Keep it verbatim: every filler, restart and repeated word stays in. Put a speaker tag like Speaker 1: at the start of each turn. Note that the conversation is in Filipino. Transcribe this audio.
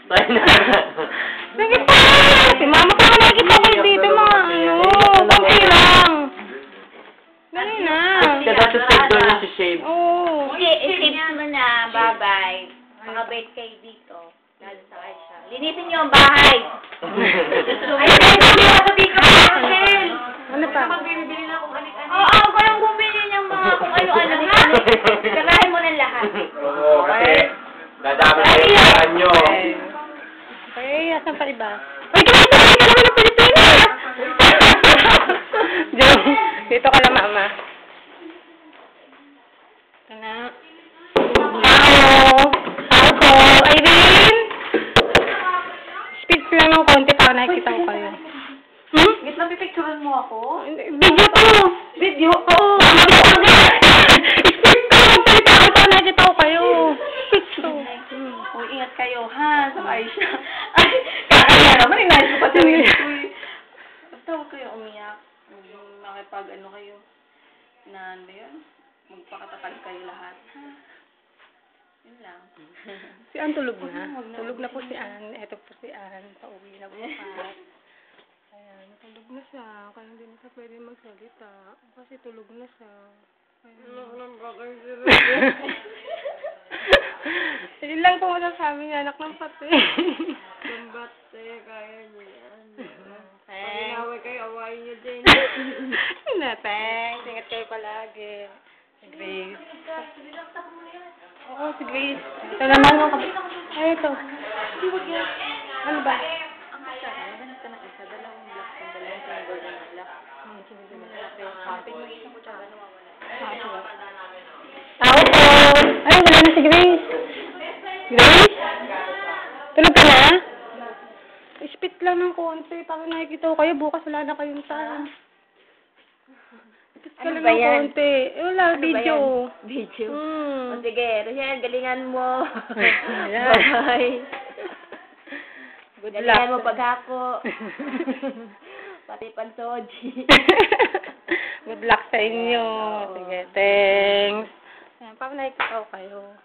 Speaker 1: Tayo na.
Speaker 2: Sige pa! Si mama pa ka nakikita ko dito mga ano. Kunti lang. Dali na.
Speaker 1: Kada sa save doon yung si shave.
Speaker 2: Oo.
Speaker 3: Hindi, i-tips mo na. Bye-bye. Makabait kayo dito. Lalo sa kayo siya. Linisin niyo ang bahay. Ay, hindi ako sabihin ka pa, Michelle.
Speaker 2: Ano pa?
Speaker 3: Magbibili na kung ano-ano. Oo, ako kayong bumili ng mga kung ano-ano. Sarahin mo ng lahat.
Speaker 1: Oo, kasi dadami na yung paraan nyo.
Speaker 2: Okay, asan pa iba? Ay, kumain ka naman ng Pilipinas! Diyan, dito ka lang, mama. Ito na. Hello! Ako! Irene! Speak lang ng konti para nakikita ko kayo. Hmm?
Speaker 3: Git na pipicturean mo ako?
Speaker 2: Video ko!
Speaker 3: Video? Oo.
Speaker 2: Speak ko! Magsalita ko para nakikita ko kayo. Speak to.
Speaker 3: O, ingat kayo, ha? Sabay siya. Ay, kakaya naman, inayos ko pa siya rin. Basta huwag kayo umiyak. Huwag makipag, ano kayo, na, ano yun? Magpakatatag kayo lahat, ha? Yun lang.
Speaker 2: Si Ann tulog na. Tulog na po si Ann. Eto po si Ann. Pauwi na bukas. Ayan, tulog na siya. Kaya hindi na siya pwede magsalita. Kasi tulog na siya. Ayan. Yun lang po masasabi niya, anak ng pati.
Speaker 3: Ng bate, kaya niyo yan. Pag
Speaker 2: Thanks.
Speaker 3: inaway kayo, awayin niyo din.
Speaker 2: Na, thanks. Ingat kayo palagi. Si Grace. Oo, si Grace. Ito naman yung kapit. Ay, ito. Ano ba?
Speaker 3: Ang isa, ganun ka ng isa, dalawang black, dalawang finger na black.
Speaker 2: Hmm, sige, sige.
Speaker 3: Happy mo isang kutsara, nawawala.
Speaker 2: Ah, sige. Tao po! Ay, wala na si Grace. Grace? Tulog ka na? Spit lang ng konti. Para nakikita ko kayo. Bukas wala na kayong time. Spit ka
Speaker 3: Ano
Speaker 2: lang
Speaker 3: ba
Speaker 2: ng
Speaker 3: yan?
Speaker 2: konti. Eh, wala,
Speaker 3: Ano ba
Speaker 2: video.
Speaker 3: yan? Video?
Speaker 2: Hmm.
Speaker 3: O sige, Rochelle, galingan mo.
Speaker 2: Ayan.
Speaker 3: Bye-bye.
Speaker 2: Good
Speaker 3: Galingan mo
Speaker 2: luck.
Speaker 3: paghako. Pati pansoji.
Speaker 2: Good luck sa inyo. Sige, thanks. Ayan, para nakikita ko kayo.